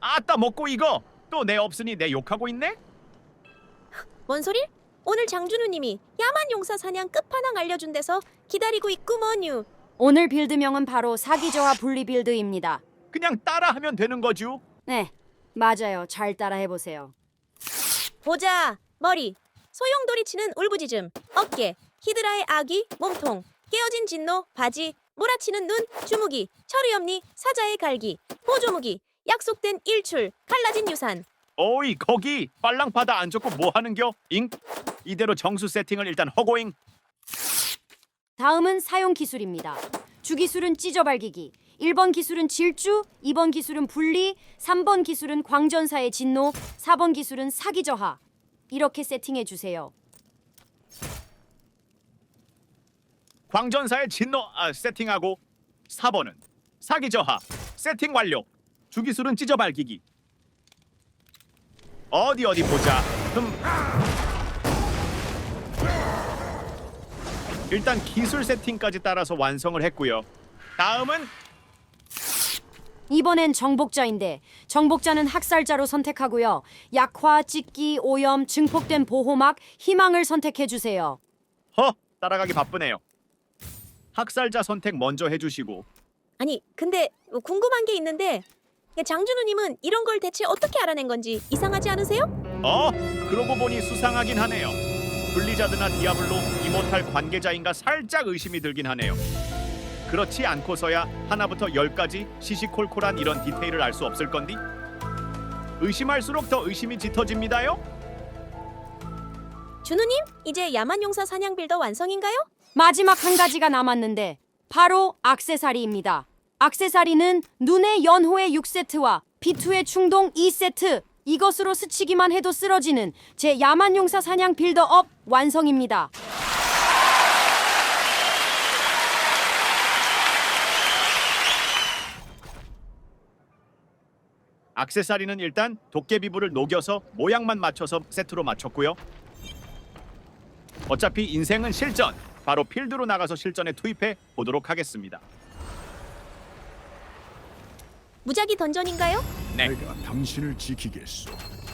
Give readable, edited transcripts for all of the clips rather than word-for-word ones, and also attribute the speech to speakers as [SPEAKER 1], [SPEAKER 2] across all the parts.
[SPEAKER 1] 아따 먹고 이거 또 내 없으니 내 욕하고 있네?
[SPEAKER 2] 뭔 소리? 오늘 장준우님이 야만 용사 사냥 끝판왕 알려준 데서 기다리고 있구먼유.
[SPEAKER 3] 오늘 빌드명은 바로 사기저하 분리 빌드입니다.
[SPEAKER 1] 그냥 따라하면 되는 거죠.
[SPEAKER 3] 네, 맞아요. 잘 따라해보세요.
[SPEAKER 2] 보자. 머리, 소용돌이 치는 울부짖음, 어깨, 히드라의 아기, 몸통, 깨어진 진노, 바지, 몰아치는 눈, 주무기, 철의엄니, 사자의 갈기, 보조무기, 약속된 일출, 갈라진 유산.
[SPEAKER 1] 어이 거기 빨랑바다 안 좋고 뭐 하는겨? 잉? 이대로 정수 세팅을 일단 허고잉.
[SPEAKER 3] 다음은 사용 기술입니다. 주기술은 찢어발기기, 1번 기술은 질주, 2번 기술은 분리, 3번 기술은 광전사의 진노, 4번 기술은 사기저하. 이렇게 세팅해주세요.
[SPEAKER 1] 광전사의 진노 세팅하고 4번은 사기저하 세팅 완료. 주기술은 찢어발기기. 어디 보자. 일단 기술 세팅까지 따라서 완성을 했고요. 다음은
[SPEAKER 3] 이번엔 정복자인데 정복자는 학살자로 선택하고요. 약화, 찢기, 오염, 증폭된 보호막, 희망을 선택해주세요.
[SPEAKER 1] 따라가기 바쁘네요. 학살자 선택 먼저 해주시고.
[SPEAKER 2] 아니, 근데 궁금한 게 있는데 장준우님은 이런 걸 대체 어떻게 알아낸 건지 이상하지 않으세요?
[SPEAKER 1] 그러고 보니 수상하긴 하네요. 블리자드나 디아블로, 이모탈 관계자인가 살짝 의심이 들긴 하네요. 그렇지 않고서야 하나부터 10까지 시시콜콜한 이런 디테일을 알 수 없을 건디? 의심할수록 더 의심이 짙어집니다요?
[SPEAKER 2] 준우님, 이제 야만 용사 사냥 빌더 완성인가요?
[SPEAKER 3] 마지막 한 가지가 남았는데 바로 액세서리입니다. 액세서리는 눈의 연호의 6세트와 비투의 충동 2세트, 이것으로 스치기만 해도 쓰러지는 제 야만용사 사냥 빌더업 완성입니다.
[SPEAKER 1] 액세서리는 일단 도깨비불을 녹여서 모양만 맞춰서 세트로 맞췄고요. 어차피 인생은 실전, 바로 필드로 나가서 실전에 투입해 보도록 하겠습니다.
[SPEAKER 2] 무작위 던전인가요?
[SPEAKER 1] 네.
[SPEAKER 4] 내가 당신을 지키겠소.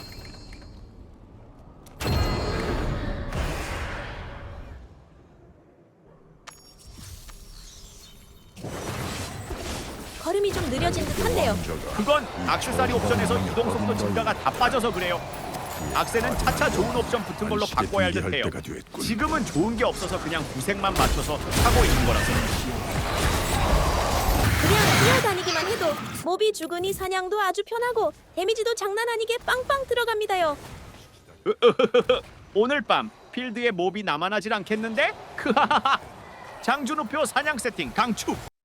[SPEAKER 2] 걸음이 좀 느려진 듯한데요.
[SPEAKER 1] 그건 액세서리 옵션에서 이동 속도 증가가 다 빠져서 그래요. 악세는 차차 좋은 옵션 붙은 걸로 바꿔야 할 듯해요. 지금은 좋은 게 없어서 그냥 구색만 맞춰서 하고 있는 거라서.
[SPEAKER 2] 그냥 뛰어다니기만 해도 몹이 죽으니 사냥도 아주 편하고 데미지도 장난 아니게 빵빵 들어갑니다요.
[SPEAKER 1] 오늘 밤 필드에 몹이 남아나질 않겠는데? 크하하하. 장준우표 사냥 세팅 강추.